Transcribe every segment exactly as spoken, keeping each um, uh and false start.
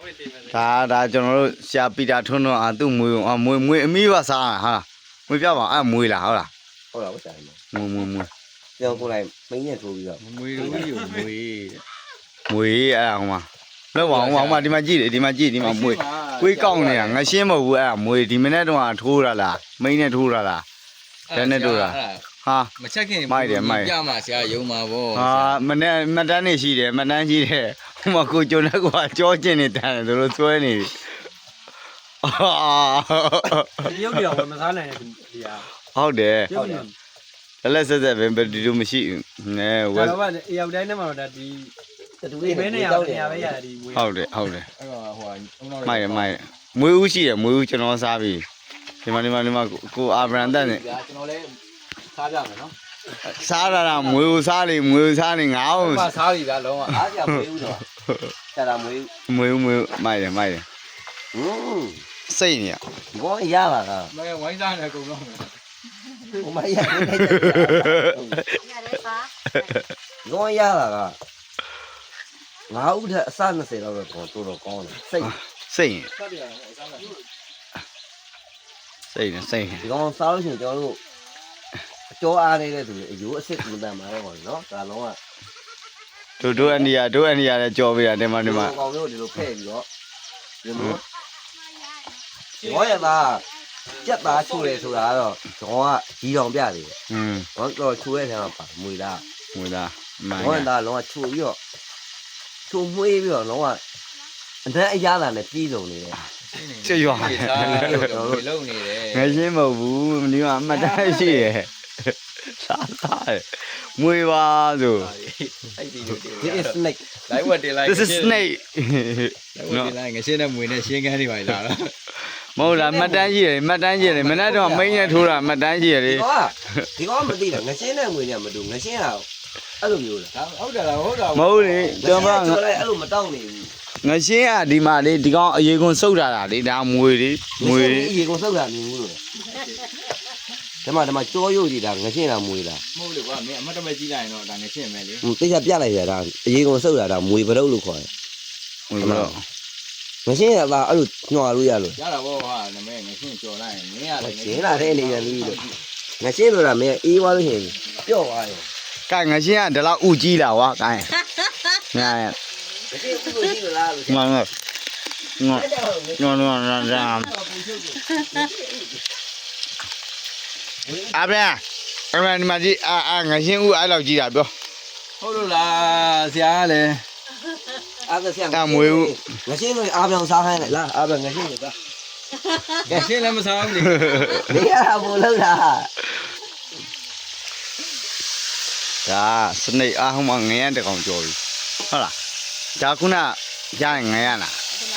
ဒါဒါကျွန်တော်တို့ဆရာပီတာထွန်းတော့အသူ့မွေးအောင်မွေးမွေးအမီးပါစားဟာလားမွေးပြပါအဲ့မွေးလားဟုတ်လားဟုတ်လားဟုတ်တယ်မွေးမွေးမွေးပြောကိုလိုက်မင်းနဲ့ထိုးပြီးတော့မွေးလို့ယူမွေးမွေးအဲ့ဟိုမှာလောက်ပါအောင်ဟိုမှာဒီမှာကြည့်တယ်ဒီမှာကြည့်ဒီမှာမွေးကိုယ်ကောက်နေတာငရှင်းမဟုတ်ဘူးအဲ့မွေးဒီမနေ့တော့ထိုးရလားမိန်းနဲ့ထိုးရလားတန်းနဲ့ထိုးတာဟာမချက်ခင်ပြမှာဆရာယုံမှာဗောဟာမနေ့မတန်းနေရှိတယ်မတန်းရှိတယ်ဟိုမှာကိုကျုံတဲ့ကွာကြောကျင်နေတန်းတယ်တို့ဆွဲနေပြီအာဒီရုပ်တွေတော့မစားနိုင်တဲ့ဒီဟာဟုတ်တယ်ရုပ်တွေလက်လက်ဆက်ဆက်ပဲဒီလိုမရှိဘူးနဲဝဒါက်တော့ဗျအရောက်တိုင်းနဲ့မှာတော့ဒီတူဒီလေးဘဲနေရာတောက်နေနေရာရပဲပဲရတယ်ဒီမွေးဟုတ်တယ်ဟုတ်တယ်အဲ့တော့ဟိုအုံတော်မိုက်တယ်မိုက်တယ်မွေးဦးရှိတယ်မွေးဦးကျွန်တော်စားပြီဒီမှာဒီမှာဒီမှာကိုအာဗရန်တက်နေကျွန်တော်လည်းစားကြမယ်နော်စားရတာမွေးဦးစားလေမွေးဦးစားနေငါ့ကိုမစားပြီဗျာလုံးဝအားကြမွေးဘူးတော့ဆရာမွေးမွေးဦးမွေးဦးမိုက်တယ်မိုက်တယ်ဟွန်းစိတ်နေရဘောရပါကမဝိုင်းစားနေကုန်တော့ဟိုမရဘူးနေတယ်ဘောရပါကငါဥထအစ၂၀လောက်တော့တော်တော်ကောင်းတယ်စိတ်စိတ်နေစားပြရတယ်စားမယ်စိတ်နေစိတ်နေဒီကောင်စားလို့ရှိရင်ကျွန်တော်တို့အကျော်အားနေတဲ့သူအယူအစ်စ်ကူတန်มาတော့ပေါ့နော်ဒါလုံးကတို့တို့အန်ဒီယာတို့အန်ဒီယာလည်းကြော်ပေးတာဒီမှာဒီမှာကောင်မျိုးဒီလိုဖဲ့ပြီးတော့ဒီလိုဘောရပါကြက်သားချိုးတယ်ဆိုတာကတော့ကျွန်တော်ကကြီးတော်ပြတယ်อืมဘောတော့ချိုးတဲ့ဆံမှာပါမွေလားမွေးသားမိုင်းဘောရသားလုံးဝချိုးပြီးတော့ချိုးမွေးပြီးတော့လုံးဝအတန်းအရသာနဲ့ပြည်စုံနေတယ်ချွတ်ရွာစားလို့လုံနေတယ်ငရှင်းမဟုတ်ဘူးဒီမှာအမှတ်တမ်းရှိရယ်စားစားမွေးပါဆိုအဲ့ဒီလိုဒီ is snake လိုက်ဝတ်တင်လိုက် this is snake လိုက်ဝတ်တင်လိုက်ငရှင်းတဲ့မွေနဲ့ရှင်းကန်းနေပါလားမဟုတ်လားမှတ်တမ်းရှိရတယ်မှတ်တမ်းရှိရတယ်မနေ့တော့မိန်းနဲ့ထိုးတာမှတ်တမ်းရှိရတယ်ဒီကောင်ကဒီကောင်မသိတာငရှင်းတဲ့ငွေနဲ့မတူငရှင်းတာအဲ့လိုမျိုးလားဟုတ်တယ်လားဟုတ်တာမဟုတ်လေကျွန်တော်ချိုးလိုက်အဲ့လိုမတောက်နေဘူးငရှင်းကဒီမှာလေဒီကောင်အရေကွန်စုပ်တာလေဒါမွေလေမွေရေကုန်စောက်တာမြင်ဘူးလို့ဒီမှာဒီမှာကြောရုပ်ကြီးတာငရှင်းတာမွေတာမဟုတ်လေကွာမင်းအမတ်တမဲကြီးလိုက်ရင်တော့ဒါငရှင်းမယ်လေဟိုတိကျပြလိုက်ရတာအရေကုန်စောက်တာဒါမွေပရုပ်လို့ခေါ်တယ်မွေတော့ငရှင်းရတာအဲ့လိုညှော်လို့ရလို့ရတာဗောဟာနမဲငရှင်းကြော်လိုက်ရင်မင်းရတယ်ရှင်းလာတဲ့အနေနဲ့ပြီးလို့ငရှင်းလို့တာမင်းအေးသွားလို့ရှိရင်ပျော့သွားတယ်ကဲငရှင်းကဒီလောက်ဥကြီးလာဝါကဲညာရငရှင်းဘူးလို့ရှိလို့လားလို့ငါငါငါညောညောရရအဘရာအဘရာဒီမှာကြီးအာအာငရှင်းဥအဲ့လောက်ကြီးတာပြောဟုတ်လို့လားဆရာကလည်းအားကဆရာငရှင်းလို့အားပြောင်စားခိုင်းလိုက်လားအားပြောင်ငရှင်းလို့သားငရှင်းလည်းမစားဘူးလေနေရတာဘို့လို့လားဒါစနေအားဟိုမှာငရမ်းတကောင်ကြော်ပြီဟုတ်လားဒါခုနရရင်ငရမ်းလား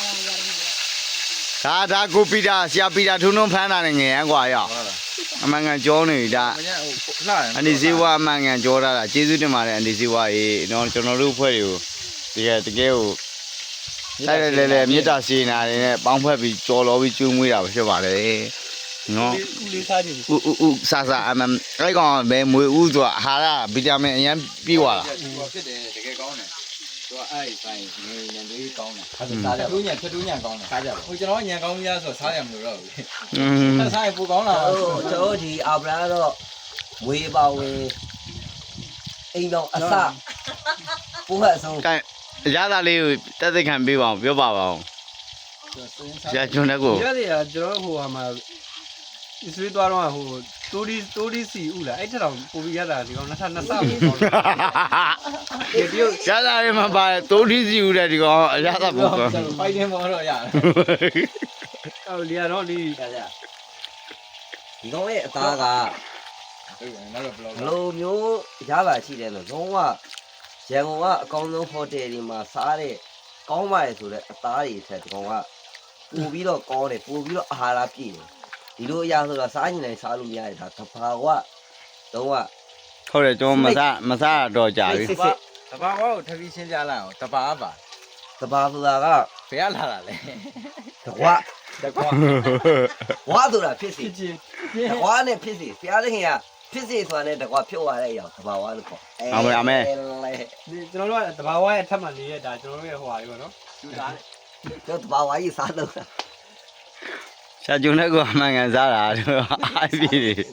ဒါဒါကိုပီတာဆရာပီတာထုံထုံဖမ်းတာနဲ့ငရမ်းกว่าရအောင်အမှန်ကန်ကြောနေဒါမင်းဟိုလှတယ်အန်ဒီဇီဝအမှန်ကန်ကြောတာလားကျေးဇူးတင်ပါတယ်အန်ဒီဇီဝရေနော်ကျွန်တော်တို့ဖွဲ့တွေကိုတကယ်တကယ်ကိုတိုက်တယ်လေလေမေတ္တာစေနာတွေနဲ့ပေါင်းဖက်ပြီးကြော်လောပြီးကျွေးမွေးတာပဲဖြစ်ပါတယ်နော်ဦးလေးစားကြည့်ဥဥဥဆာဆာအမအဲ့ကောင်ဘယ်မွေဥဆိုတာအာဟာရဗီတာမင်အရင်ပြည့်သွားတာဖြစ်တယ်တကယ်ကောင်းတယ်သူကအဲ့ဆိုင်ငွေညံလေးကောင်းတယ်အဲ့ဒါစားကြဖြတ်တူးညံဖြတ်တူးညံကောင်းတယ်စားကြပါဟိုကျွန်တော်ညံကောင်းကြီးဆိုစားရမလို့တော့ဘူးอืมဆက်စားရင်ပူကောင်းလာဟိုကျွန်တော်ဒီအာဗရာတော့မွေးပါဝင်အိမ်တော်အစပိုးဟအဆုံးကဲရတာလေးကိုတက်သက်ခံပေးပါအောင်ပြောပါပါအောင်ဆရာကျွန်းတဲ့ကိုရတယ်ကျွန်တော်ဟိုဟာမှာဒီဆွေးသွားတော့ဟိုတိုးဒီတိုးဒီစီဥလားအဲ့ထက်တော့ပိုပြီးရတာဒီကောင်နှစ်ထပ်နှစ်ဆပိုကောင်းတယ်ဒီပြုတ်ရတာလေးမပါတိုးထီးစီဦးတဲ့ဒီကောင်အရသာပေါ့ကွာဖိုင်တင်ပေါ်တော့ရတယ်ဟိုလီယာတော့ဒီကြကြဒီကောင်ရဲ့အသားကဟုတ်တယ်နောက်တော့ဘလော့ဘလိုမျိုးရပါရှိတယ်လို့လုံးဝရန်ကုန်ကအကောင်းဆုံးဟိုတယ်ဒီမှာစားတဲ့ကောင်းပါလေဆိုတဲ့အသားတွေထက်ဒီကောင်ကပူပြီးတော့ကောင်းတယ်ပူပြီးတော့အာဟာရပြည့်တယ်ဒီလိုအရာဆိုတာစားနေတိုင်းစားလို့မရတယ်ဒါတဘာဝတော့ကဟုတ်တယ်ကျွန်တော်မစားမစားတော့ကြာပြီတဘာဝကိုထပ်ပြီးရှင်းပြလိုက်အောင်တဘာပါတဘာဆိုတာကဘယ်ကလာတာလဲတကွာတကွာဝါဆိုတာဖြစ်စီချင်းတကွာနဲ့ဖြစ်စီဘုရားသခင်ကဖြစ်စီဆိုတာနဲ့တကွာဖြုတ်ရတဲ့အရာတဘာဝလို့ခေါ်ဒီကျွန်တော်တို့ကတဘာဝရဲ့အထက်မှာနေရတာကျွန်တော်တို့ရဲ့ဟိုဟာလေးပေါ့နော်ယူသားကျွန်တော်တဘာဝကြီးစားတော့တာရှာကျုံတဲ့ကောမှန်ကန်စားတာတော့အားပြီ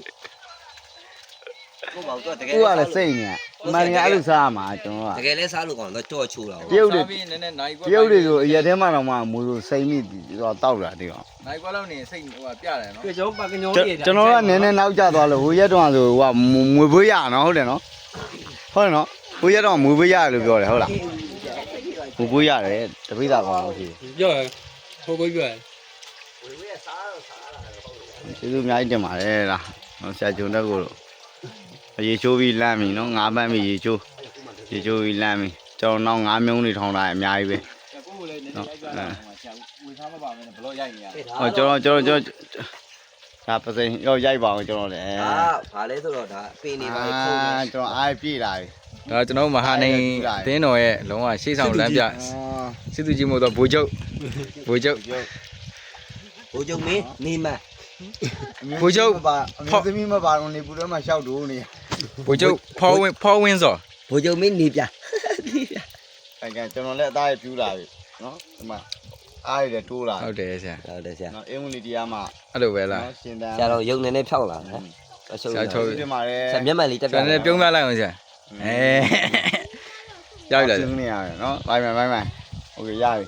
ကိုပေါ့တော့တကယ်ကိုကလည်းစိတ်နေအမှန်ကအဲ့လိုစားမှာကျွန်တော်တကကယ်လဲစားလို့ကောင်းတော့ကြော့ချိုးတာပြုတ်တွေပြီးနည်းနည်းနိုင်ကွက်ပြုတ်တွေဆိုအရက်ထဲမှာတော့မှမူလို့စိတ်မိတော့တောက်တာဒီကောင်နိုင်ကွက်လောက်နေစိတ်ဟိုပြတယ်နော်ပြကျွန်တော်ပါကညောကျွန်တော်ကနည်းနည်းနောက်ကျသွားလို့ဟိုရက်တော့ဆိုဟိုကမွေပွေးရနော်ဟုတ်တယ်နော်ဟုတ်တယ်နော်ဟိုရက်တော့မွေပွေးရလို့ပြောတယ်ဟုတ်လားမွေပွေးရတယ်တပိသာကောင်လို့ရှိပြောရဟိုကိုပြောရဝေဝေးစားတော့စားတာဟုတ်တယ်ကျေးဇူးအများကြီးတင်ပါတယ်လားဆရာကျုံတဲ့ကိုရေချိုးပြီးလမ်းပြီနော်ငါးပန်းပြီးရေချိုးရေချိုးပြီးလမ်းပြီကျွန်တော်နောက်ငါးမြုံတွေထောင်းတာအများကြီးပဲကိုကိုလည်းနည်းနည်းရိုက်ပြတာဟိုဆရာဝေထားမပါမင်းဘလို့ရိုက်နေရဟောကျွန်တော်ကျွန်တော်ကျွန်တော်ဒါပစိန်ရောရိုက်ပါအောင်ကျွန်တော်လည်းဒါဘာလဲဆိုတော့ဒါပင်နေပါလေဖုန်းနေကျွန်တော်အားပြည့်လာပြီဒါကျွန်တော်မဟာနေတင်းတော်ရဲ့လုံးဝရှေ့ဆောင်လမ်းပြစစ်သူကြီးမို့တော့ဘူချုပ်ဘူချုပ်ဘိုးချုပ်မင်းနေမဘူချုပ်ပါအမျိုးသမီးမပါတော့နေပူတော့မှရှောက်တူနေဘူချုပ်ဖော်ဝင်ဖော်ဝင်စောဘိုးချုပ်မင်းနေပြနေပြအဲကကျွန်တော်လည်းအသားရပြူးလာပြီနော်ဒီမှာအားရတိုးလာဟုတ်တယ်ဆရာဟုတ်တယ်ဆရာနော်အင်္ဂလိပ်တရားမှာအဲ့လိုပဲလားနော်ရှင်တန်းဆရာတော့ရုံနေနေဖြောက်လာနော်အရှုံးဆရာချုပ်ဒီမှာလည်းဆရာမျက်မှန်လေးတက်ပြကျွန်တော်လည်းပြုံးပြလိုက်အောင်ဆရာအဲရောက်ပြီလားရှင်းနေရတယ်နော်ဘိုင်ဘိုင်ဘိုင်ဘိုင်โอเคရပြီ